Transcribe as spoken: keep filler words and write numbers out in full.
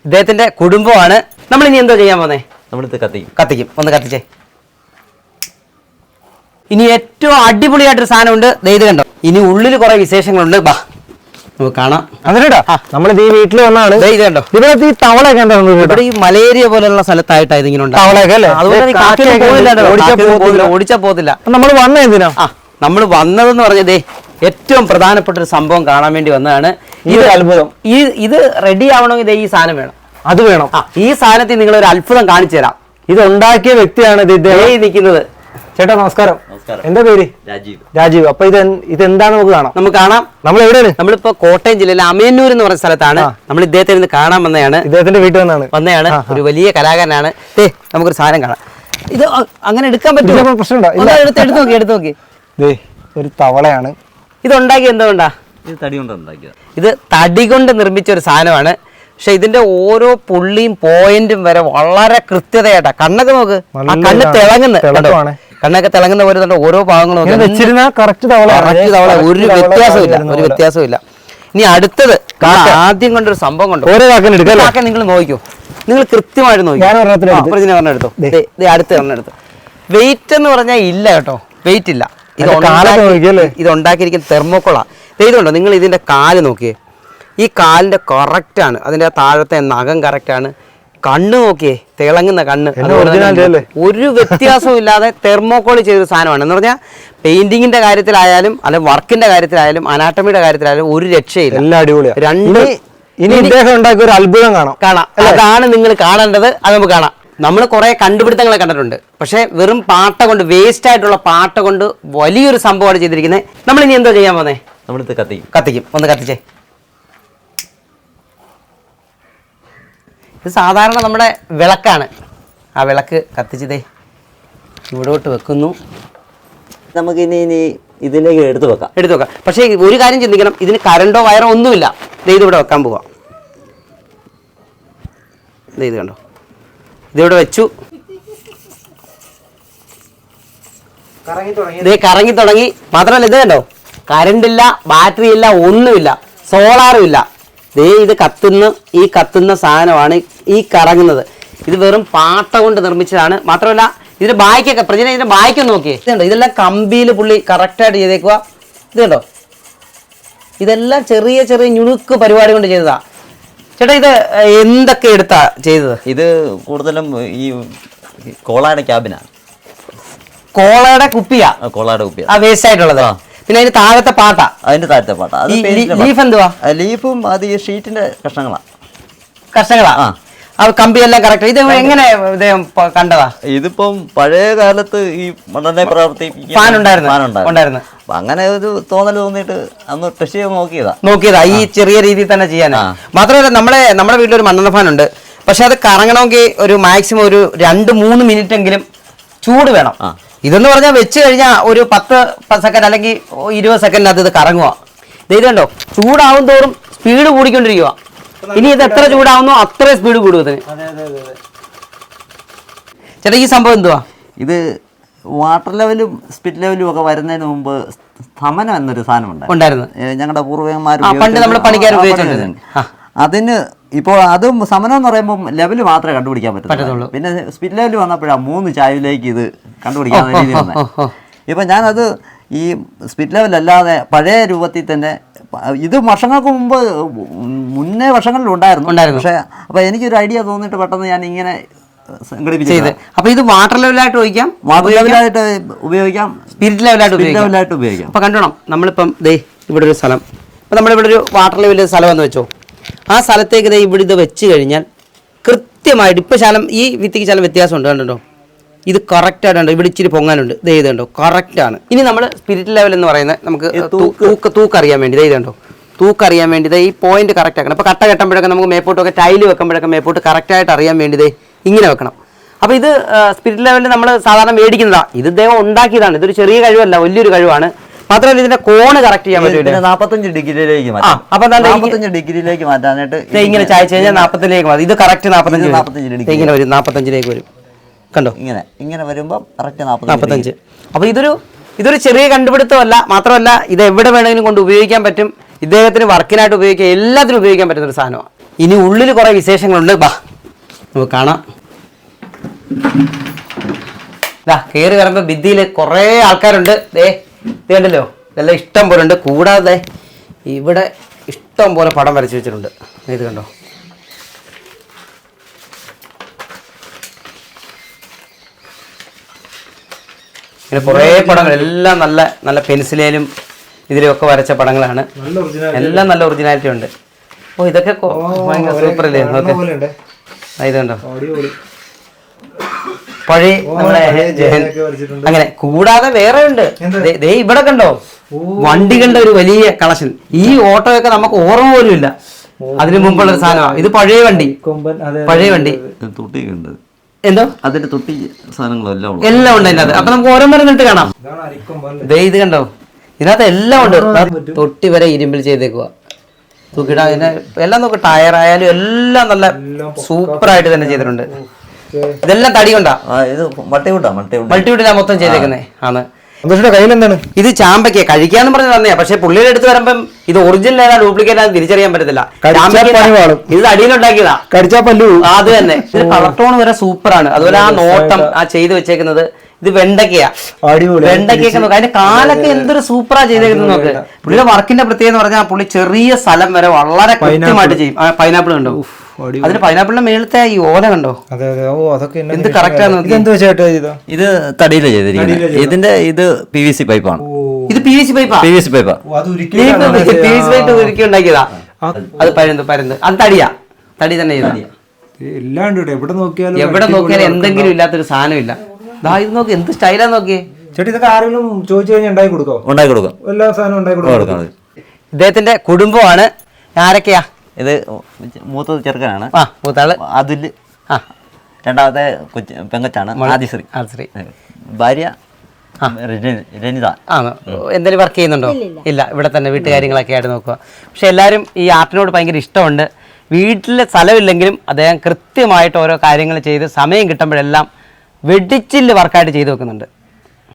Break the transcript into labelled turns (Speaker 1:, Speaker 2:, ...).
Speaker 1: ഇദ്ദേഹത്തിന്റെ കുടുംബമാണ്. നമ്മൾ ഇനി എന്തോ ചെയ്യാൻ പോന്നേ?
Speaker 2: നമ്മളിത് കത്തിക്കും
Speaker 1: കത്തിക്കും ഒന്ന് കത്തിച്ചേ. ഇനി ഏറ്റവും അടിപൊളിയായിട്ടൊരു സാധനമുണ്ട്, ഇത് കണ്ടോ. ഇനി ഉള്ളിൽ കുറെ വിശേഷങ്ങളുണ്ട്, ബാ നമുക്ക് കാണാം.
Speaker 3: അതിനടാ നമ്മളിത് ഈ വീട്ടിൽ വന്നാണ്.
Speaker 1: ഇത് കണ്ടോ,
Speaker 3: ഇവിടെ ഈ തവളയൊക്കെ എന്താ
Speaker 1: ഇവിടെ ഈ മലേറിയ പോലുള്ള സ്ഥലത്തായിട്ടാണ് ഇതിങ്ങനെ ഉണ്ട്.
Speaker 3: തവളയൊക്കെ അല്ലേ?
Speaker 1: ഓടിച്ചാ പോകത്തില്ല.
Speaker 3: നമ്മൾ വന്ന എന്തിനാ?
Speaker 1: ആ നമ്മൾ വന്നതെന്ന് പറഞ്ഞതേ ഏറ്റവും പ്രധാനപ്പെട്ട ഒരു സംഭവം കാണാൻ വേണ്ടി വന്നതാണ്.
Speaker 3: ഇത് അത്ഭുതം.
Speaker 1: ഈ ഇത് റെഡി ആവണമെങ്കിൽ ഈ സാധനം വേണം.
Speaker 3: അത് വേണം.
Speaker 1: ഈ സാധനത്തിൽ നിങ്ങൾ ഒരു അത്ഭുതം കാണിച്ചു തരാം.
Speaker 3: ഇത് ഉണ്ടാക്കിയ വ്യക്തിയാണ് ഇത്
Speaker 1: നിൽക്കുന്നത്.
Speaker 3: ചേട്ടാ നമസ്കാരം. എന്താ പേര്?
Speaker 2: രാജീവ്.
Speaker 3: രാജീവ്. അപ്പൊ ഇത് ഇത് എന്താണ് നമുക്ക് കാണാം?
Speaker 1: നമുക്ക് കാണാം.
Speaker 3: നമ്മൾ എവിടെയാണ്?
Speaker 1: നമ്മളിപ്പോ കോട്ടയം ജില്ലയിലെ അമയന്നൂർ എന്ന് പറഞ്ഞ സ്ഥലത്താണ്. നമ്മൾ ഇദ്ദേഹത്തെ ഇന്ന് കാണാൻ വന്നതാണ്.
Speaker 3: ഇദ്ദേഹത്തിന്റെ വീട്ടിൽ വന്നാണ്
Speaker 1: വന്നതാണ്. ഒരു വലിയ കലാകാരനാണ്. ഏ നമുക്കൊരു സാധനം കാണാം. ഇത് അങ്ങനെ എടുക്കാൻ പറ്റുമോ?
Speaker 3: പ്രശ്നമുണ്ടോ?
Speaker 1: എടുത്ത് എടുത്ത് നോക്കി എടുത്ത് നോക്കി
Speaker 3: ഒരു തവളയാണ്.
Speaker 1: ഇത് ഉണ്ടാക്കി എന്തുകൊണ്ടാ?
Speaker 2: ഇത് തടി കൊണ്ട് ഉണ്ടാക്കിയത്.
Speaker 1: ഇത് തടി കൊണ്ട് നിർമ്മിച്ച ഒരു സാധനമാണ്. പക്ഷെ ഇതിന്റെ ഓരോ പുള്ളിയും പോയിന്റും വരെ വളരെ കൃത്യതയായിട്ടാ. കണ്ണൊക്കെ നോക്ക്, ആ കണ്ണ് തിളങ്ങുന്ന കണ്ണൊക്കെ തിളങ്ങുന്ന പോലെ തന്നെ ഓരോ ഭാഗങ്ങളും ഒരു വ്യത്യാസവും ഇല്ല, ഒരു വ്യത്യാസവും ഇല്ല. ഇനി അടുത്തത് ആദ്യം കൊണ്ടൊരു സംഭവം കൊണ്ടു.
Speaker 3: ഓരോ
Speaker 1: കാക്ക നിങ്ങൾ നോക്കിയോ, നിങ്ങൾ കൃത്യമായിട്ട് നോക്കിയോ. എടുത്തോ, അടുത്ത് എണ്ണം എടുത്തു. വെയിറ്റ് എന്ന് പറഞ്ഞാൽ ഇല്ല കേട്ടോ, വെയിറ്റ് ഇല്ല. ഇത് ഇത് ഉണ്ടാക്കിയിരിക്കുന്ന തെർമോക്കോളാ. ഇതുണ്ടോ, നിങ്ങൾ ഇതിന്റെ കാല് നോക്കിയേ, ഈ കാലിന്റെ കറക്റ്റ് ആണ്. അതിന്റെ താഴത്തെ നഖം കറക്റ്റ് ആണ്. കണ്ണ് നോക്കിയേ, തിളങ്ങുന്ന കണ്ണ്, ഒരു വ്യത്യാസവും ഇല്ലാതെ തെർമോക്കോൾ ചെയ്തൊരു സാധനമാണ്. എന്ന് പറഞ്ഞാൽ പെയിന്റിങ്ങിന്റെ കാര്യത്തിലായാലും അല്ലെ വർക്കിന്റെ കാര്യത്തിലായാലും അനാട്ടമിയുടെ കാര്യത്തിലായാലും ഒരു രക്ഷയില്ല.
Speaker 3: എല്ലാം അടിപൊളിയാണ്.
Speaker 1: രണ്ട്
Speaker 3: ഇനി ഇദ്ദേഹം ഉണ്ടാക്കിയ ഒരു അത്ഭുതം കാണാം
Speaker 1: കാണാം അതാണ് നിങ്ങൾ കാണേണ്ടത്. അത് നമുക്ക് കാണാം. നമ്മൾ കുറെ കണ്ടുപിടുത്തങ്ങളെ കണ്ടിട്ടുണ്ട്, പക്ഷെ വെറും പാട്ട കൊണ്ട്, വേസ്റ്റ് ആയിട്ടുള്ള പാട്ട കൊണ്ട് വലിയൊരു സംഭവമാണ് ചെയ്തിരിക്കുന്നത്. നമ്മൾ ഇനി എന്തോ ചെയ്യാൻ പോന്നേ?
Speaker 2: നമ്മളിത് കത്തിക്കും
Speaker 1: കത്തിക്കും ഒന്ന് കത്തിച്ചേ. ഇത് സാധാരണ നമ്മുടെ വിളക്കാണ്. ആ വിളക്ക് കത്തിച്ചതേ ഇവിടോട്ട് വെക്കുന്നു.
Speaker 2: നമുക്ക് ഇനി ഇനി ഇതിലേക്ക് എടുത്തു വെക്കാം
Speaker 1: എടുത്തു വെക്കാം പക്ഷേ ഒരു കാര്യം ചിന്തിക്കണം, ഇതിന് കറണ്ടോ വയറോ ഒന്നുമില്ല. ഇത് ഇവിടെ വെക്കാൻ പോവാം. ഇത് കണ്ടോ, ഇതിവിടെ വെച്ചു. ഇത് കറങ്ങി തുടങ്ങി. മാത്രമല്ല ഇത് കണ്ടോ, കറണ്ടില്ല, ബാറ്ററി ഇല്ല, ഒന്നുമില്ല, സോളാറും ഇല്ല. ദേ ഇത് കത്തുന്ന ഈ കത്തുന്ന സാധനമാണ് ഈ കറങ്ങുന്നത്. ഇത് വെറും പാട്ട കൊണ്ട് നിർമ്മിച്ചതാണ്. മാത്രമല്ല ഇതിന്റെ ബായ്ക്കൊക്കെ പ്രജന ഇതിന്റെ ബായ്ക്കൊക്കെ നോക്കിയേ, ഇതുണ്ടോ, ഇതെല്ലാം കമ്പിയിൽ പുള്ളി കറക്റ്റായിട്ട് ചെയ്തേക്കുക. ഇത് കണ്ടോ, ഇതെല്ലാം ചെറിയ ചെറിയ ഞുണുക്ക് പരിപാടി കൊണ്ട് ചെയ്തതാ. ചേട്ടാ ഇത് എന്തൊക്കെ എടുത്താ ചെയ്തത്?
Speaker 2: ഇത് കൂടുതലും ഈ കോളയുടെ ക്യാബിനാണ്.
Speaker 1: കോളയുടെ കുപ്പിയാ?
Speaker 2: കോളയുടെ കുപ്പിയാ,
Speaker 1: ആ വേസ്റ്റ് ആയിട്ടുള്ളത്. പിന്നെ അതിന്റെ താഴത്തെ പാട്ട,
Speaker 2: അതിന്റെ താഴത്തെ പാട്ട.
Speaker 1: ലീഫ് എന്തുവാ?
Speaker 2: ലീഫും അത് ഈ ഷീറ്റിന്റെ കഷ്ണങ്ങളാ കഷ്ണങ്ങളാ
Speaker 1: ആ കമ്പിയെല്ലാം കറക്റ്റ്. ഇത് എങ്ങനെ ഇദ്ദേഹം കണ്ടതാ?
Speaker 2: ഇതിപ്പം പഴയ കാലത്ത് ഈ മണ്ണെണ്ണ പ്രവർത്തിപ്പിക്കുന്ന
Speaker 1: ഫാൻ ഉണ്ടായിരുന്നു.
Speaker 2: അങ്ങനെ ഒരു തോന്നൽ തോന്നിയിട്ട് അന്ന് ടെസ്റ്റ് ചെയ്ത് നോക്കിയതാ
Speaker 1: നോക്കിയതാ ഈ ചെറിയ രീതിയിൽ തന്നെ ചെയ്യാനാ. മാത്രമല്ല നമ്മളെ നമ്മുടെ വീട്ടിലൊരു മണ്ണെണ്ണ ഫാൻ ഉണ്ട്. പക്ഷെ അത് കറങ്ങണമെങ്കിൽ ഒരു മാക്സിമം ഒരു രണ്ട് മൂന്ന് മിനിറ്റ് എങ്കിലും ചൂട് വേണം. ഇതെന്ന് പറഞ്ഞാൽ വെച്ച് കഴിഞ്ഞാൽ ഒരു പത്ത് സെക്കൻഡ് അല്ലെങ്കിൽ ഇരുപത് സെക്കൻഡിനകത്ത് ഇത് കറങ്ങുക. ഇത് കണ്ടോ, ചൂടാവും തോറും സ്പീഡ് കൂടിക്കൊണ്ടിരിക്കുക. ഇനി ഇത് എത്ര ചൂടാവുന്നോ അത്രയും സ്പീഡ് കൂടും ഇതിന്. ചേട്ടാ ഈ സംഭവം എന്തുവാ?
Speaker 2: ഇത് വാട്ടർ ലെവലും സ്പിരിറ്റ് ലെവലും ഒക്കെ വരുന്നതിന് മുമ്പ് സ്തമനം എന്നൊരു സാധനം
Speaker 1: ഉണ്ടായിരുന്നു.
Speaker 2: ഞങ്ങളുടെ പൂർവികന്മാർ
Speaker 1: പണ്ട് നമ്മൾ പണിക്കാർ ഉപയോഗിച്ചിട്ടുണ്ട്.
Speaker 2: അതിന് ഇപ്പോൾ അതും സമനം എന്ന് പറയുമ്പോൾ ലെവല് മാത്രമേ കണ്ടുപിടിക്കാൻ പറ്റത്തുള്ളൂ. പിന്നെ സ്പിരിറ്റ് ലെവൽ വന്നപ്പോഴാണ് മൂന്ന് ചായവിലേക്ക് ഇത് കണ്ടുപിടിക്കാൻ രീതി വന്നത്. ഇപ്പം ഞാനത് ഈ സ്പിരിറ്റ് ലെവൽ അല്ലാതെ പഴയ രൂപത്തിൽ തന്നെ, ഇത് വർഷങ്ങൾക്ക് മുമ്പ് മുന്നേ വർഷങ്ങളിൽ ഉണ്ടായിരുന്നു. പക്ഷേ അപ്പോൾ എനിക്കൊരു ഐഡിയ തോന്നിയിട്ട് പെട്ടെന്ന് ഞാൻ ഇങ്ങനെ സംഘടിപ്പിച്ചത്.
Speaker 1: അപ്പോൾ ഇത് വാട്ടർ ലെവലായിട്ട് ഉപയോഗിക്കാം,
Speaker 2: വാട്ടർ ലെവലായിട്ട് ഉപയോഗിക്കാം,
Speaker 1: സ്പിരിറ്റ് ലെവലായിട്ട്
Speaker 2: ലെവലായിട്ട് ഉപയോഗിക്കാം.
Speaker 1: അപ്പോൾ കണ്ടോണം, നമ്മളിപ്പം ദേ ഇവിടെ ഒരു സ്ഥലം, ഇപ്പം നമ്മളിവിടെ ഒരു വാട്ടർ ലെവലിൽ സ്ഥലം എന്ന് വെച്ചോ, ആ സ്ഥലത്തേക്ക് ദേ ഇവിടെ ഇത് വെച്ച് കഴിഞ്ഞാൽ കൃത്യമായിട്ട് ഇപ്പം ശാലം ഈ വിത്തിക്ക് ശാലം വ്യത്യാസമുണ്ട്. കണ്ടോ, ഇത് കറക്റ്റായിട്ടുണ്ട്. ഇവിടെ ഇച്ചിരി പൊങ്ങാനുണ്ട്. ഇത് ചെയ്തുണ്ടോ, കറക്റ്റാണ്. ഇനി നമ്മൾ സ്പിരിറ്റ് ലെവൽ എന്ന് പറയുന്നത് നമുക്ക് തൂക്ക് തൂക്കറിയാൻ വേണ്ടി ഇത് ചെയ്തുണ്ടോ, തൂക്കറിയാൻ വേണ്ടി ഈ പോയിന്റ് കറക്റ്റ് ആക്കണം. ഇപ്പോൾ കട്ട കെട്ടുമ്പോഴൊക്കെ നമുക്ക് മേപ്പോട്ടൊക്കെ ടൈല് വെക്കുമ്പോഴൊക്കെ മേപ്പോട്ട് കറക്റ്റായിട്ട് അറിയാൻ വേണ്ടി ഇതേ ഇങ്ങനെ വെക്കണം. അപ്പോൾ ഇത് സ്പിരിറ്റ് ലെവലിൽ നമ്മൾ സാധാരണ മേടിക്കുന്നതാണ്. ഇത് ഇദ്ദേഹം ഉണ്ടാക്കിയതാണ്. ഇതൊരു ചെറിയ കഴിവല്ല, വലിയൊരു കഴിവാണ്. മാത്രമല്ല ഇതിന്റെ കോണ് കറക്റ്റ് ചെയ്യാൻ പറ്റില്ല.
Speaker 2: നാൽപ്പത്തഞ്ച് ഡിഗ്രിയിലേക്ക് മാറ്റാം.
Speaker 1: അപ്പൊ
Speaker 2: നാൽപ്പത്തഞ്ച് ഡിഗ്രിയിലേക്ക് മാറ്റാനായിട്ട്
Speaker 1: ഇങ്ങനെ ചായച്ച് കഴിഞ്ഞാൽ നാൽപ്പത്തിലേക്ക് മാറും. ഇത് കറക്റ്റ് നാൽപ്പത്തഞ്ച്
Speaker 2: നാൽപ്പത്തഞ്ച് ഡിഗ്രി
Speaker 1: ഇങ്ങനെ വരും, നാൽപ്പത്തഞ്ചിലേക്ക് വരും. കണ്ടോ,
Speaker 2: ഇങ്ങനെ ഇങ്ങനെ വരുമ്പോൾ കറക്റ്റ്
Speaker 1: നാൽപ്പത്തഞ്ച്. അപ്പോൾ ഇതൊരു ഇതൊരു ചെറിയ കണ്ടുപിടുത്തമല്ല. മാത്രമല്ല ഇത് എവിടെ വേണമെങ്കിലും കൊണ്ട് ഉപയോഗിക്കാൻ പറ്റും. ഇദ്ദേഹത്തിന് വർക്കിനായിട്ട് ഉപയോഗിക്കാം, എല്ലാത്തിനും ഉപയോഗിക്കാൻ പറ്റുന്ന ഒരു സാധനമാണ്. ഇനി ഉള്ളിൽ കുറേ വിശേഷങ്ങളുണ്ട്, ബാ നമുക്ക് കാണാം. ഇതാ കയറി വരുമ്പോൾ ഭിത്തിയിൽ കുറേ ആൾക്കാരുണ്ട്. ദേ ഇത് കണ്ടല്ലോ, ഇതെല്ലാം ഇഷ്ടം പോലെ ഉണ്ട്. കൂടാതെ ഇവിടെ ഇഷ്ടം പോലെ പടം വരച്ച് വെച്ചിട്ടുണ്ട്. ഇത് കണ്ടോ, ഇങ്ങനെ കുറേ പടങ്ങൾ എല്ലാം നല്ല നല്ല പെൻസിലേലും ഇതിലും ഒക്കെ വരച്ച പടങ്ങളാണ്. എല്ലാം നല്ല ഒറിജിനാലിറ്റി ഉണ്ട്. ഓ ഇതൊക്കെ ഭയങ്കര സൂപ്പർ അല്ലേ, നോക്ക് ഇത് കണ്ടോ, പഴയ നമ്മുടെ അങ്ങനെ. കൂടാതെ വേറെ ഉണ്ട്, ദേ ഇവിടെ കണ്ടോ വണ്ടികളുടെ ഒരു വലിയ കളക്ഷൻ. ഈ ഓട്ടോയൊക്കെ നമുക്ക് ഓർമ്മ പോലും ഇല്ല, അതിന് മുമ്പുള്ള ഒരു സാധനമാണ്. ഇത് പഴയ വണ്ടി, പഴയ വണ്ടി.
Speaker 2: തൊട്ടിയുണ്ട്,
Speaker 1: എന്തോ
Speaker 2: അതിന്റെ തൊട്ടി സാധനങ്ങളെല്ലാം
Speaker 1: എല്ലാം ഉണ്ട് അതിനകത്ത്. അപ്പൊ നമുക്ക് ഓരോ മരം നിന്നിട്ട് കാണാം. ദേ ഇത് കണ്ടോ, ഇതിനകത്ത് എല്ലാം ഉണ്ട്. തൊട്ടി വരെ ഇരുമ്പിൽ ചെയ്തേക്കുക, തൂക്കിട. അതിന്റെ എല്ലാം നോക്ക്, ടയറായാലും എല്ലാം നല്ല സൂപ്പർ ആയിട്ട് തന്നെ ചെയ്തിട്ടുണ്ട്. ഇതെല്ലാം തടി കൊണ്ടാ,
Speaker 2: ഇത് മൾട്ടിവുഡാ, മൾട്ടിവുഡ്
Speaker 1: മൾട്ടിവുഡിലാ മൊത്തം ചെയ്തേക്കുന്നേ ആണ്.
Speaker 3: കയ്യിൽ എന്താണ്?
Speaker 1: ഇത് ചാമ്പയ്ക്ക കഴിക്കാന്ന് പറഞ്ഞ് തന്നെയാ, പക്ഷെ പുള്ളിയുടെ അടുത്ത് വരുമ്പം ഇത് ഒറിജിനൽ ഏതാ ഡ്യൂപ്ലിക്കേറ്റ് ആണെന്ന് തിരിച്ചറിയാൻ പറ്റത്തില്ല. ഇത് അടിയിലുണ്ടാക്കിയതാ,
Speaker 3: കടിച്ചാ പല്ലു.
Speaker 1: അത് തന്നെ. ഇത് കളർ ടോൺ വരെ സൂപ്പറാണ്. അതുപോലെ ആ നോട്ടം, ആ ചെയ്ത് വെച്ചേക്കുന്നത്. ഇത് വെണ്ടക്കയാ, വെണ്ടക്കയൊക്കെ നോക്ക്, അതിന്റെ കാലൊക്കെ എന്തൊരു സൂപ്പറാ ചെയ്തേക്കുന്നത് നോക്ക്. പുള്ളിയുടെ വർക്കിന്റെ പ്രത്യേകത എന്ന് പറഞ്ഞാൽ പുള്ളി ചെറിയ സ്ഥലം വരെ വളരെ കൃത്യമായിട്ട് ചെയ്യും. പൈനാപ്പിൾ കണ്ടോ, അതിന് പൈനാപ്പിളിന്റെ മേളത്തെ ഈ ഓല കണ്ടോ, എന്ത് കറക്റ്റ് ആണ്.
Speaker 2: ഇത് തടിയില ചെയ്തിരിക്കുന്നത്. ഇതിന്റെ ഇത് പി വി സി പൈപ്പാണ്.
Speaker 1: ഇത് പി വി സി പൈപ്പാ,
Speaker 2: പി വി സി പൈപ്പാ
Speaker 1: പി വി സി പൈപ്പ് ഉരുക്കി ഉണ്ടാക്കിയതാ. അത് പരുന്ത് പരുന്ത് അത് തടിയാ, തടി തന്നെ ചെയ്താ.
Speaker 3: എവിടെ നോക്കിയാലും
Speaker 1: എവിടെ നോക്കിയാലും എന്തെങ്കിലും ഇല്ലാത്തൊരു സാധനം ഇല്ല. ദാ ഇത് നോക്കി, എന്ത് സ്റ്റൈലാ നോക്കിയേ.
Speaker 3: ചേട്ടി ഇതൊക്കെ ആരെങ്കിലും ചോദിച്ചു കഴിഞ്ഞാൽ ഉണ്ടാക്കി കൊടുക്കോ?
Speaker 2: ഉണ്ടാക്കി കൊടുക്കാം,
Speaker 3: എല്ലാ സാധനവും ഉണ്ടാക്കി കൊടുക്കാം.
Speaker 1: ഇദ്ദേഹത്തിന്റെ കുടുംബമാണ്. ആരൊക്കെയാ?
Speaker 2: ഇത് മൂത്തത് ചെറുക്കനാണ്,
Speaker 1: ആ മൂത്താള്
Speaker 2: അതുല്.
Speaker 1: ആ
Speaker 2: രണ്ടാമത്തെ കൊച്ചു പെങ്കച്ചാണ് ആദിശ്രീ.
Speaker 1: ആദിശ്രീ
Speaker 2: ഭാര്യ രനിത.
Speaker 1: ആ എന്തെങ്കിലും വർക്ക് ചെയ്യുന്നുണ്ടോ? ഇല്ല, ഇവിടെ തന്നെ വീട്ടുകാര്യങ്ങളൊക്കെ ആയിട്ട് നോക്കുക. പക്ഷെ എല്ലാവരും ഈ ആർട്ടിനോട് ഭയങ്കര ഇഷ്ടമുണ്ട്. വീട്ടിൽ സ്ഥലമില്ലെങ്കിലും അദ്ദേഹം കൃത്യമായിട്ട് ഓരോ കാര്യങ്ങൾ ചെയ്ത് സമയം കിട്ടുമ്പോഴെല്ലാം വെടിച്ചില് വർക്കായിട്ട് ചെയ്തു വെക്കുന്നുണ്ട്.